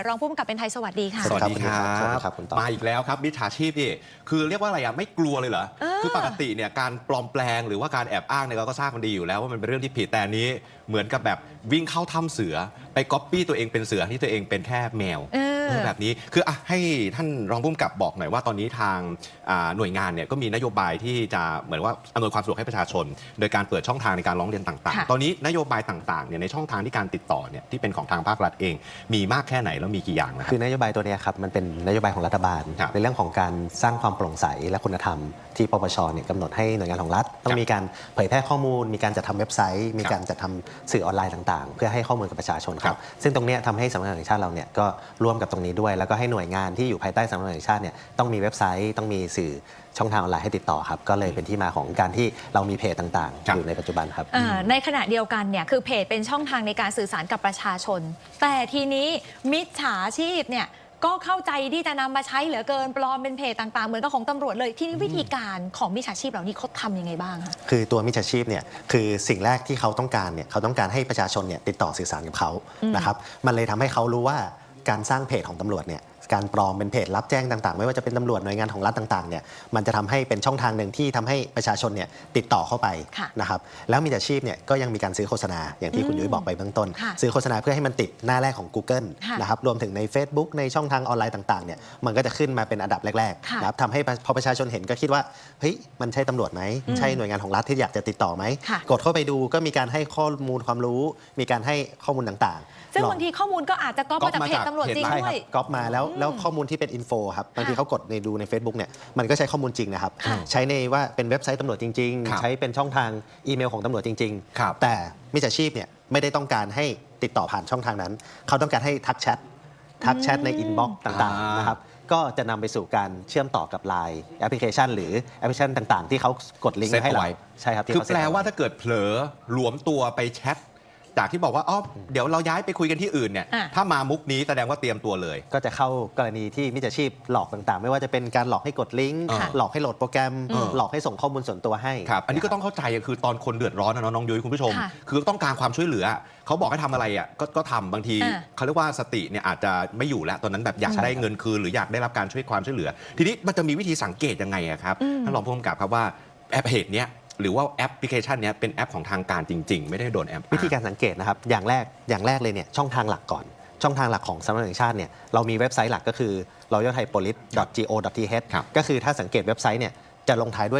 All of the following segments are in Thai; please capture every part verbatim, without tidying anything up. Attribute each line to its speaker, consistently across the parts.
Speaker 1: รองผู้กำกับเป็นไทยสวัสดีค่ะ
Speaker 2: สวัสดีครับมาอีกแล้วครับมิจฉาชีพนี่คือเรียกว่าอะไรอ่ะไม่กลัวเลยเหรอคือปกติเนี่ยการปลอมแปลงหรือว่าการแอบอ้างเนี่ยเราก็ทราบกันดีอยู่แล้วว่ามันเป็นเรื่องที่ผิดแต่นี้เหมือนกับแบบวิ่งเข้าถ้ำเสือไปก๊อปปี้ตัวเองเป็นเสือที่ตัวเองเป็นแค่แมวแบบนี้คืออ่ะให้ท่านรองผู้กำกับบอกหน่อยว่าตอนนี้ทางหน่วยงานเนี่ยก็มีนโยบายที่จะเหมือนว่าอำนวยความสะดวกให้ประชาชนโดยการเปิดช่องทางในการร้องเรียนต่างๆตอนนี้นโยบายต่างๆเนี่ยในช่องทางที่การติดต่อเนี่ยที่เป็นของทางภาครัฐเองมีมากแค่ไหนแล้วมีกี่อย่างนะครับ
Speaker 3: คือนโยบายตัวนี้ครับมันเป็นนโยบายของรัฐบาลในเรื่องของการสร้างความโปร่งใสและคุณธรรมที่ปปชเนี่ยกำหนดให้หน่วยงานของรัฐต้องมีการเผยแพร่ข้อมูลมีการจัดทำเว็บไซต์มีการจัดทำสื่อออนไลน์ต่างๆเพื่อให้ข้อมูลกับประชาชนครับซึ่งตรงนี้ทำให้สำนักงานตำรวจแห่งชาติเราเนี่ยก็ร่วมกับตรงนี้ด้วยแล้วก็ให้หน่วยงานที่อยู่ภายใต้สำนักงานตำรวจแห่งชาติเนี่ยต้องมีเว็บไซต์ต้องมีสื่อช่องทางออนไลน์ให้ติดต่อครับก็เลยเป็นที่มาของการที่เรามีเพจต่างๆอยู่ในปัจจุบันครับ
Speaker 1: ในขณะเดียวกันเนี่ยคือเพจเป็นช่องทางในการสื่อสารกับประชาชนแต่ทีนี้มิจฉาชีพเนี่ยก็เข้าใจที่จะนำมาใช้เหลือเกินปลอมเป็นเพจต่างๆเหมือนกับของตำรวจเลยที่นี่วิธีการของมิจฉาชีพเหล่านี้เขาทำยังไงบ้างคะ
Speaker 3: คือตัวมิจฉาชีพเนี่ยคือสิ่งแรกที่เขาต้องการเนี่ยเขาต้องการให้ประชาชนเนี่ยติดต่อสื่อสารกับเขานะครับมันเลยทำให้เขารู้ว่าการสร้างเพจของตำรวจเนี่ยการปลอมเป็นเพจรับแจ้งต่างๆไม่ว่าจะเป็นตำรวจหน่วยงานของรัฐต่างๆเนี่ยมันจะทำให้เป็นช่องทางหนึ่งที่ทำให้ประชาชนเนี่ยติดต่อเข้าไปนะครับแล้วมิจฉาชีพเนี่ยก็ยังมีการซื้อโฆษณาอย่างที่คุณยุ้ยบอกไปเบื้องต้นซื้อโฆษณาเพื่อให้มันติดหน้าแรกของ Google นะครับรวมถึงใน Facebook ในช่องทางออนไลน์ต่างๆเนี่ยมันก็จะขึ้นมาเป็นอันดับแรกๆนะครับทำให้พอประชาชนเห็นก็คิดว่าเฮ้ยมันใช่ตำรวจไหมใช่หน่วยงานของรัฐที่อยากจะติดต่อไหมกดเข้าไปดูก็มีการให้ข้อมูลความรู้มีการให้ข้อมูลต่างๆ
Speaker 1: ซึ่งบางทีข้อมูลก็อาจจะก๊อปมาจากเพจตำรวจจริงด้วย
Speaker 3: ก๊อปมาแล้วแล้วข้อมูลที่เป็นอินโฟครับบางทีเขากดในดูใน Facebook เนี่ยมันก็ใช้ข้อมูลจริงนะครับใช้ในว่าเป็นเว็บไซต์ตำรวจจริงๆใช้เป็นช่องทางอีเมลของตำรวจจริงๆแต่มิจฉาชีพเนี่ยไม่ได้ต้องการให้ติดต่อผ่านช่องทางนั้นเขาต้องการให้ทักแชททักแชทในอินบ็อกซ์ต่างๆนะครับก็จะนำไปสู่การเชื่อมต่อกับ ไลน์ แอปพลิเคชันหรือแอปพลิเคชันต่างๆที่เขากดลิงก์ให้เราใช่ครับ
Speaker 2: คือแปลว่าถ้าเกิดเผลอหลวมตัวไปแชทจากที่บอกว่าอ๋อเดี๋ยวเราย้ายไปคุยกันที่อื่นเนี่ยถ้ามามุกนี้แสดงว่าเตรียมตัวเลย
Speaker 3: ก็จะเข้ากรณีที่มิจฉาชีพหลอกต่างๆไม่ว่าจะเป็นการหลอกให้กดลิงก์หลอกให้โหลดโปรแกรมหลอกให้ส่งข้อมูลส่วนตัวให้
Speaker 2: ครับอันนี้ก็ต้องเข้าใจคือตอนคนเดือดร้อนนะน้องยุ้ยคุณผู้ชมคือต้องการความช่วยเหลือเขาบอกให้ทำอะไรอ่ะก็ทำบางทีเขาเรียกว่าสติเนี่ยอาจจะไม่อยู่แล้วตอนนั้นแบบอยากได้เงินคืนหรืออยากได้รับการช่วยความช่วยเหลือทีนี้มันจะมีวิธีสังเกตยังไงครับท่านรองผู้กำกับครับว่าแอปเพจเนี้ยหรือว่าแอปพลิเคชันนี้เป็นแอปของทางการจริงๆไม่ได้โดนแอป
Speaker 3: วิธีการสังเกตนะครับอย่างแรกอย่างแรกเลยเนี่ยช่องทางหลักก่อนช่องทางหลักของสำนักงานตำรวจแห่งชาติเนี่ยเรามีเว็บไซต์หลักก็คือ รอยัลไทยโพลิส ดอท จี โอ ดอท ที เอช ก็คือถ้าสังเกตเว็บไซต์เนี่ยจะลงท้ายด้วย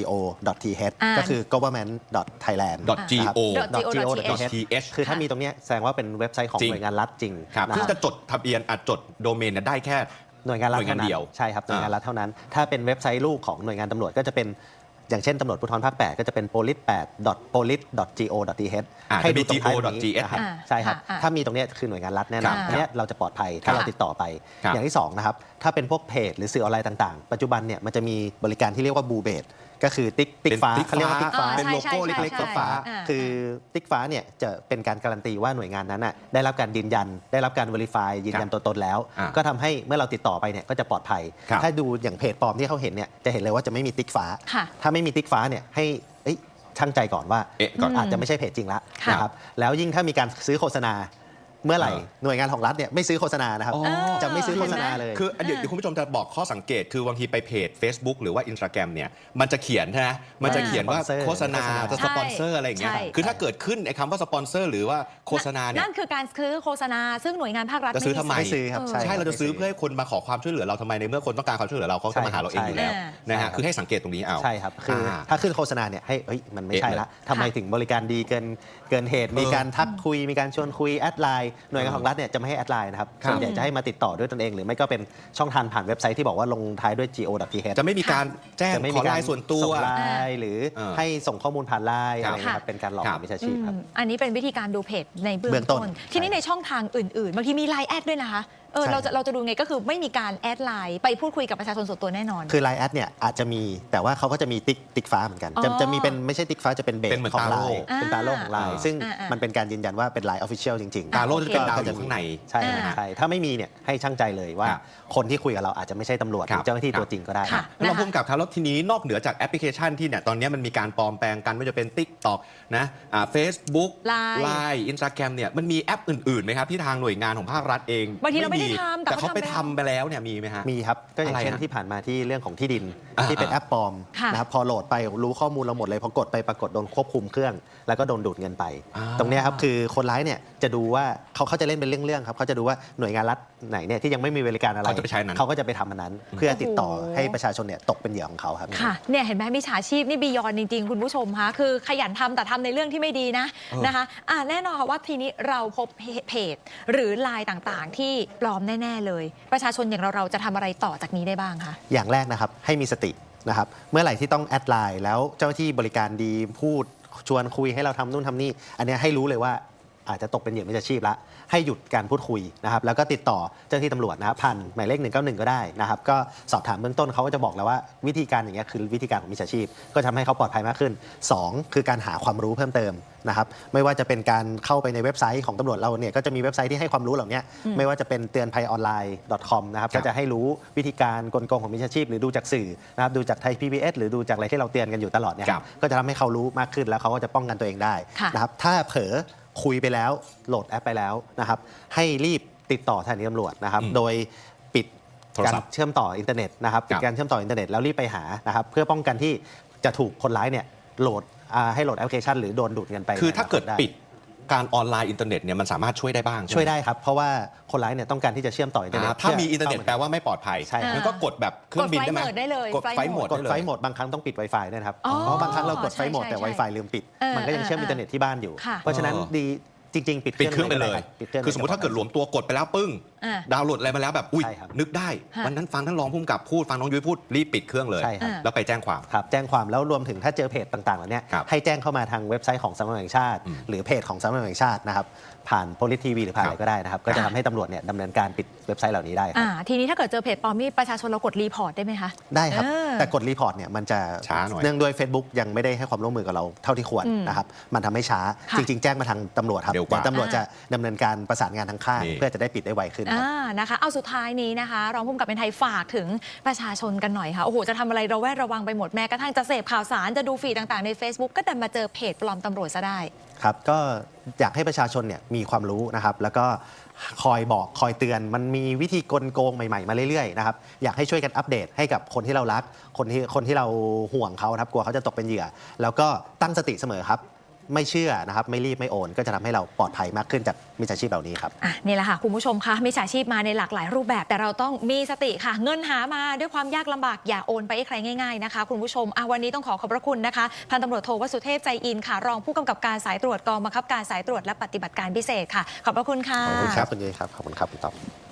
Speaker 3: .go.th ก็คือ government .thailand
Speaker 2: .go.th
Speaker 3: คือถ้ามีตรงนี้แสดงว่าเป็นเว็บไซต์ของหน่วยงานรัฐจริง
Speaker 2: ซึ่งจะจดทะเบียนอาจจดโดเมนได้แค่
Speaker 3: หน่วยงานรัฐเท่านั้นใช่ครับหน่วยงานรัฐเท่านั้นถ้าเป็นเว็บไซต์ลูกของหน่วยงานตำรวจก็จะเป็นอย่างเช่นตำรวจภูธรภาคแปดก็จะเป็น โพลิส แปด ดอท โพลิส ดอท จี โอ ดอท ที เอช ให้ดูตรงท้ายนี้นะครับใช่ครับถ้ามีตรงนี้คือหน่วยงานรัฐแน่นอนอันนี้เราจะปลอดภัยถ้าเราติดต่อไปอย่างที่สองนะครับถ้าเป็นพวกเพจหรือสื่อออนไลน์ต่างๆปัจจุบันเนี่ยมันจะมีบริการที่เรียกว่าบูเบดก็คือติ๊กติ๊กฟ้าเขาเรียกว่าติ๊กฟ้า
Speaker 2: เป็นโลโก้เล็กๆ
Speaker 3: ติ๊กฟ้าคือติ๊กฟ้าเนี่ยจะเป็นการการันตีว่าหน่วยงานนั้นน่ะได้รับการยืนยันได้รับการ verify ยืนยันตัวตนแล้วก็ทำให้เมื่อเราติดต่อไปเนี่ยก็จะปลอดภัยถ้าดูอย่างเพจปลอมที่เขาเห็นเนี่ยจะเห็นเลยว่าจะไม่มีติ๊กฟ้าถ้าไม่มีติ๊กฟ้าเนี่ยให้ช่างใจก่อนว่าอาจจะไม่ใช่เพจจริงละนะครับแล้วยิ่งถ้ามีการซื้อโฆษณาเมื่อไหร่หน่วยงานของรัฐเนี่ยไม่ซื้อโฆษณานะครับจะไม่ซื้อโฆษณาเลย
Speaker 2: คือเดี๋ยวคุณผู้ชมจะบอกข้อสังเกตคือบางทีไปเพจ Facebook หรือว่า Instagram เนี่ยมันจะเขียนใช่ไหมมันจะเขียนว่าโฆษณาจะสปอนเซอร์อะไรอย่างเงี้ยคือถ้าเกิดขึ้นไอ้คำว่าสปอนเซอร์หรือว่าโฆษณาเนี่ย
Speaker 1: นั่นคือการซื้อโฆษณาซึ่งหน่วยงานภาครัฐ
Speaker 2: จะซื้อทำไม
Speaker 3: ซื้อครับ
Speaker 2: ใช่เราจะซื้อเพื่อให้คนมาขอความช่วยเหลือเราทำไมในเมื่อคนต้องการความช่วยเหลือเราเขาจะมาหาเราเองอยู่แล้วนะฮะคือให้สังเกตตรงนี้เอา
Speaker 3: ใช่ครับคือถ้าขึ้นโฆษณาเนี่ยให้เฮ้ยมันไม่ใช่ละทำไมถึงบริการดีเกินเกินเหตุมีการทักคุยมีการชวนคุยแอดไลน์หน่วยงานของรัฐเนี่ยจะไม่ให้แอดไลน์นะครับส่วนใหญ่จะให้มาติดต่อด้วยตนเองหรือไม่ก็เป็นช่องทางผ่านเว็บไซต์ที่บอกว่าลงท้ายด้วย จี โอ ดอท ที เอช
Speaker 2: จะไม่มีการแจ้งขอไลน์ส่วนตัว
Speaker 3: ไลน์หรือให้ส่งข้อมูลผ่านไลน์อะไรนะครับเป็นการหลอกมิจฉาชีพครับ
Speaker 1: อันนี้เป็นวิธีการดูเพจในเบื้องต้นทีนี้ในช่องทางอื่นๆบางทีมีไลน์แอดด้วยนะคะเออเราจะเราจะดูไงก็คือไม่มีการแอดไลน์ไปพูดคุยกับประชาชนส่วนตัวแน่นอน
Speaker 3: คือไลน์แอดเนี่ยอาจจะมีแต่ว่าเขาก็จะมีติ๊กติ๊กฟ้าเหมือนกันจะจะมีเป็นไม่ใช่ติ๊กฟ้าจะเป็นเบสของไลน์เป็นตาโล่ของไลน์ซึ่งมันเป็นการยืนยันว่าเป็นไลน์ออฟฟิเชียลจริง
Speaker 2: ๆตาโล่จะเป็นดาวอยู่ข้างใน
Speaker 3: ใช่ใช่ถ้าไม่มีเนี่ยให้ช่างใจเลยว่าคนที่คุยกับเราอาจจะไม่ใช่ตำรวจหรือเจ้าหน้าที่ตัวจริงก็ได้
Speaker 2: แล้วเราพูดกับครับแล้วทีนี้นอกเหนือจากแอปพลิเคชันที่เนี่ยตอนนี้มันมีการปลอมแปลงกันไม่ว่าจะเป็น TikTok นะเฟซบุ๊ก ไลน์ Instagram เนี่ยมันมีแอปอื่นๆไหมครับที่ทางหน่วยงานของภาครัฐเอง
Speaker 1: บางทีเราไม่ได้ทำแต่
Speaker 2: แต่เขาไปทำ
Speaker 1: เขาทำ
Speaker 2: ไปแล้วเนี่ยมีไหมฮะ
Speaker 3: มีครับก็อย่าง
Speaker 2: อะไร
Speaker 3: เช่น
Speaker 2: ฮะ
Speaker 3: ที่ผ่านมาที่เรื่องของที่ดิน
Speaker 2: อ่า
Speaker 3: ที่เป็นแอปปลอม
Speaker 1: ค่ะ
Speaker 3: นะครับพอโหลดไปรู้ข้อมูลเราหมดเลยพอกดไปปรากฏโดนควบคุมเครื่อง แล้วก็โดนดูดเงินไป
Speaker 2: อ่า
Speaker 3: ตรงเนี้ยครับคือคนร้ายเนี่ยจะดูว่าเขาเขาจะเล่นเป็นเรื่องๆครับเขาจะดูว่าหน่วยงานรัฐไหนเนี่ยที่ยังไม่มีบริการอะไร
Speaker 2: เขาจะไปใช้นั้น
Speaker 3: เขาก็จะไปทำอันนั้น เพื่อติดต่อ
Speaker 1: โอ้โห
Speaker 3: ให้ประชาชนเนี่ยตกเป็นเหยื่อของเขาครับ
Speaker 1: ค่ะเนี่ยเห็นไหมมิจฉาชีพนี่บียอนจริง ๆ คุณผู้ชมคะคือขยันทำแต่ทำในเรื่องที่ไม่ดีนะ
Speaker 2: เออ
Speaker 1: นะคะอ่าแน่นอนค่ะว่าทีนี้เราพบเพจหรือไลน์ต่างๆ ที่ปลอมแน่ ๆ เลย ประชาชนอย่างเราเราจะทำอะไรต่อจากนี้ได้บ้างคะ
Speaker 3: อย่างแรกนะครับให้มีสตินะครับเมื่อไหร่ที่ต้องแอดไลน์แล้วเจ้าหน้าที่บริการดีพูดชวนคุยให้เราทำนู่นทำนี่ อันเนี้ยให้รู้เลยว่าอาจจะตกเป็นเหยื่อมิจฉาชีพละให้หยุดการพูดคุยนะครับแล้วก็ติดต่อเจ้าหน้าที่ตำรวจนะครับผ่านหมายเลขหนึ่งเก้าหนึ่งก็ได้นะครับก็สอบถามเบื้องต้นเขาก็จะบอกแล้วว่าวิธีการอย่างเงี้ยคือวิธีการของมิจฉาชีพก็ทำให้เขาปลอดภัยมากขึ้นสองคือการหาความรู้เพิ่มเติมนะครับไม่ว่าจะเป็นการเข้าไปในเว็บไซต์ของตำรวจเราเนี่ยก็จะมีเว็บไซต์ที่ให้ความรู้เหล่านี้ไม่ว่าจะเป็นเตือนภัยออนไลน์ .com นะครับ
Speaker 2: ครับ
Speaker 3: ก็จะให้รู้วิธีการกลโกงของมิจฉาชีพหรือดูจากสื่อนะครับดูจากไทย พี บี เอส หรือดูจากอะไรที่เราเตือนกันอยู่ตลอดเนี่ย
Speaker 2: ครับ
Speaker 3: ก็จะทำให้เขารู้มากขึ้นแล้วเขาก็จะป้องกันตัวเองได้
Speaker 1: ค่ะ
Speaker 3: นะครับถ้าเผลอคุยไปแล้วโหลดแอปไปแล้วนะครับให้รีบติดต่อสถานีตำรวจนะครับ
Speaker 2: อืม
Speaker 3: โดยปิด
Speaker 2: โทร
Speaker 3: การ
Speaker 2: ศัพท์
Speaker 3: เชื่อมต่ออินเทอร์เน็ตนะครับปิด
Speaker 2: ครับ
Speaker 3: การเชื่อมต่ออินเทอร์เน็ตแล้วรีบไปหานะครับเพื่อป้องกันที่จะถูกคนร้ายเนี่ยโหลดอ่าให้โหลดแอปพลิเคชันหรือโดนดูดเงินไป
Speaker 2: คือถ้าเกิด
Speaker 3: ไ
Speaker 2: ปิดการออนไลน์อินเทอร์เน็ตเนี่ยมันสามารถช่วยได้บ้างใช่ไหม
Speaker 3: ช่วยได้ครับ เพราะว่าคนร้ายเนี่ยต้องการที่จะเชื่อมต่ออินเทอร์เน็ต
Speaker 2: อ่าถ้ามีอินเทอร์เน็ตแปลว่าไม่ปลอดภัย
Speaker 3: ใช่ครับ
Speaker 2: งั้นก็กดแบบเครื่องบินได้ไหม
Speaker 1: กดไฟล์โหมดได้เลย
Speaker 2: กดไฟล์โหมด
Speaker 3: กด
Speaker 2: ได้เลย
Speaker 3: ไฟล์โหมดบางครั้งต้องปิด Wi-Fi ด้วยนะครับ
Speaker 1: อ๋อ
Speaker 3: เพราะบางครั้งเรากดไฟล์โหมดแต่
Speaker 1: ใช่ใช่
Speaker 3: Wi-Fi ลืมปิด
Speaker 1: เออ
Speaker 3: มันก็ยังเชื่อม
Speaker 1: เออ
Speaker 3: อินเทอร์เน็ตที่บ้านอยู่
Speaker 1: ค่ะ
Speaker 3: เพราะฉะนั้น
Speaker 2: เออ
Speaker 3: ดีจริง ๆ ปิด
Speaker 2: ปิดเครื่องไปเลย
Speaker 3: ปิดเครื่อง
Speaker 2: คือสมมติถ้าเกิดหลวมตัวกดไปแล้วปึ้ง
Speaker 1: อ่า
Speaker 2: ดาวน์โหลดอะไรมาแล้วแบบอุ้ย
Speaker 3: ใช่ครับ
Speaker 2: นึกได้
Speaker 1: ฮะ
Speaker 2: วันนั้นฟังท่านรองผู้กำกับพูดฟังน้องยุ้ยพูดรีบปิดเครื่องเลย
Speaker 3: ใช่ครับ
Speaker 2: แล้วไปแจ้งความ
Speaker 3: ครับแจ้งความแล้วรวมถึงถ้าเจอเพจต่างๆเหล่านี้
Speaker 2: ครับ
Speaker 3: ให้แจ้งเข้ามาทางเว็บไซต์ของสำนักงานแห่งชาติ
Speaker 2: อืม
Speaker 3: หรือเพจของสำนักงานแห่งชาตินะครับผ่านโพลิทีวีหรือผ่าน
Speaker 2: ครั
Speaker 3: อะ
Speaker 2: บ
Speaker 3: ไรก็ได้นะครับก็จะทำให้ตำรวจเนี่ยดำเนินการปิดเว็บไซต์เหล่านี้ได้ครับ
Speaker 1: อ่าทีนี้ถ้าเกิดเจอเพจปลอมนี่ประชาชนเรากดรีพอร์ตได้ไหมคะ
Speaker 3: ได้ครับ
Speaker 1: เออ
Speaker 3: แต่กดรีพอร์ตเนี่ยมันจะ
Speaker 2: ช้าหน่อย
Speaker 3: เนื่องด้วย Facebook ยังไม่ได้ให้ความร่วมมือกับเราเท่าที่ควร
Speaker 1: อืม
Speaker 3: นะครับมันทำให้ช้า
Speaker 1: ค่ะ
Speaker 3: จริง ๆ แจ้งมาทางตำรวจครับ
Speaker 2: เร็วกว่า
Speaker 3: ดี๋ยตำรวจจะดำเนินการประสานงานทางค่าย
Speaker 2: นี่
Speaker 3: เพื่อจะได้ปิดได้ไวขึ้นครับ
Speaker 1: อ่านะคะเอาสุดท้ายนี้นะคะรองผู้กำกับเป็นไทยฝากถึงประชาชนกันหน่อยค่ะโอ้โหจะทำอะไรระแวดระวังไปหมดแม้กระทั่งจะเสพข่าวสารจะดูฟีดต่างๆใน Facebook ก็ดันมาเจอเพจปลอมตำรวจซะได้
Speaker 3: ครับก็อยากให้ประชาชนเนี่ยมีความรู้นะครับแล้วก็คอยบอกคอยเตือนมันมีวิธีกลโกงใหม่ๆมาเรื่อยๆนะครับอยากให้ช่วยกันอัปเดตให้กับคนที่เรารักคนที่คนที่เราห่วงเขานะครับกลัวเขาจะตกเป็นเหยื่อ แล้วก็ตั้งสติเสมอครับไม่เชื่อนะครับไม่รีบไม่โอน ก็จะทำให้เราปลอดภัยมากขึ้นจากมิจฉาชีพเหล่านี้ครับ
Speaker 1: อ่ะนี่แหละค่ะ คุณผู้ชมคะมิจฉาชีพมาในหลากหลายรูปแบบแต่เราต้องมีสติค่ะ เงินหามาด้วยความยากลำบากอย่าโอนไปให้ใครง่ายๆนะคะ คุณผู้ชมอ่ะวันนี้ต้องขอขอบพระคุณนะคะพันตำรวจโทวสุเทพใจอินค่ะรองผู้กำกับการสายตรวจกองบังคับการสายตรวจและปฏิบัติการพิเศษค่ะ ขอบพระคุณค่ะ
Speaker 3: ขอบคุณครับคุณยุ้ยครับขอบคุณครับคุณต๊อบ